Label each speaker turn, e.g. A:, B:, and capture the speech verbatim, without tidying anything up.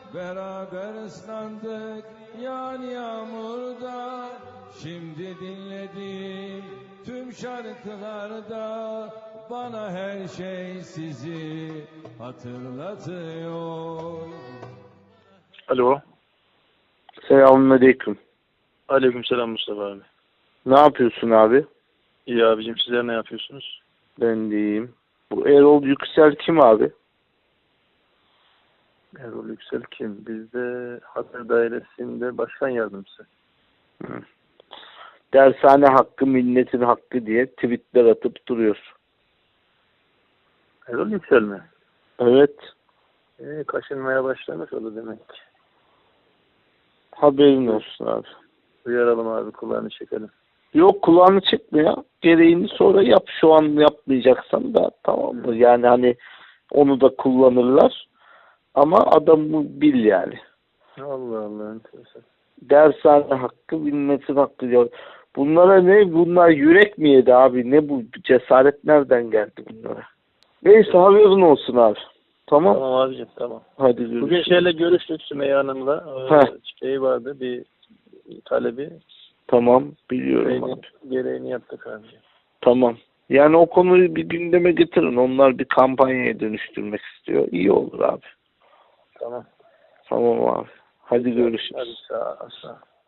A: beraber ıslandık yağan yağmurda. Şimdi dinlediğim tüm şarkılarda bana her şey sizi hatırlatıyor.
B: Alo.
C: Selamünaleyküm.
B: Aleykümselam Mustafa abi.
C: Ne yapıyorsun abi?
B: İyi abicim, sizler ne yapıyorsunuz?
C: Ben de iyiyim. Bu Erol Yüksel kim abi?
B: Erol Yüksel kim? Bizde Hatay Dairesi'nde başkan yardımcısı.
C: Hı. Dershane hakkı milletin hakkı diye tweetler atıp duruyor.
B: Erol Yüksel mi?
C: Evet.
B: Ee, kaşınmaya başlamış oldu demek ki.
C: Haberin olsun abi.
B: Uyaralım abi, kulağını çekelim.
C: Yok, kulağını çekme ya. Gereğini sonra yap. Şu an yapmayacaksan da tamam mı? Yani hani onu da kullanırlar. Ama adamı bil yani.
B: Allah Allah, enteresan.
C: Dershane hakkı milletin hakkı diyor. Bunlara ne? Bunlar yürek mi yedi abi? Ne bu cesaret nereden geldi bunlara? Neyse, haberin olsun abi. Tamam.
B: Tamam abicim, tamam.
C: Hadi görüşürüz.
B: Bugün şeyle görüştük, Sümeyye Hanım'la.
C: Heh.
B: Ee, şey vardı, bir talebi.
C: Tamam, biliyorum
B: Gereğini,
C: abi.
B: gereğini yaptık abicim.
C: Tamam. Yani o konuyu bir gündeme getirin. Onlar bir kampanyaya dönüştürmek istiyor. İyi olur abi.
B: Tamam.
C: Tamam abi. Hadi görüşürüz.
B: Hadi sağ ol. Sağ ol.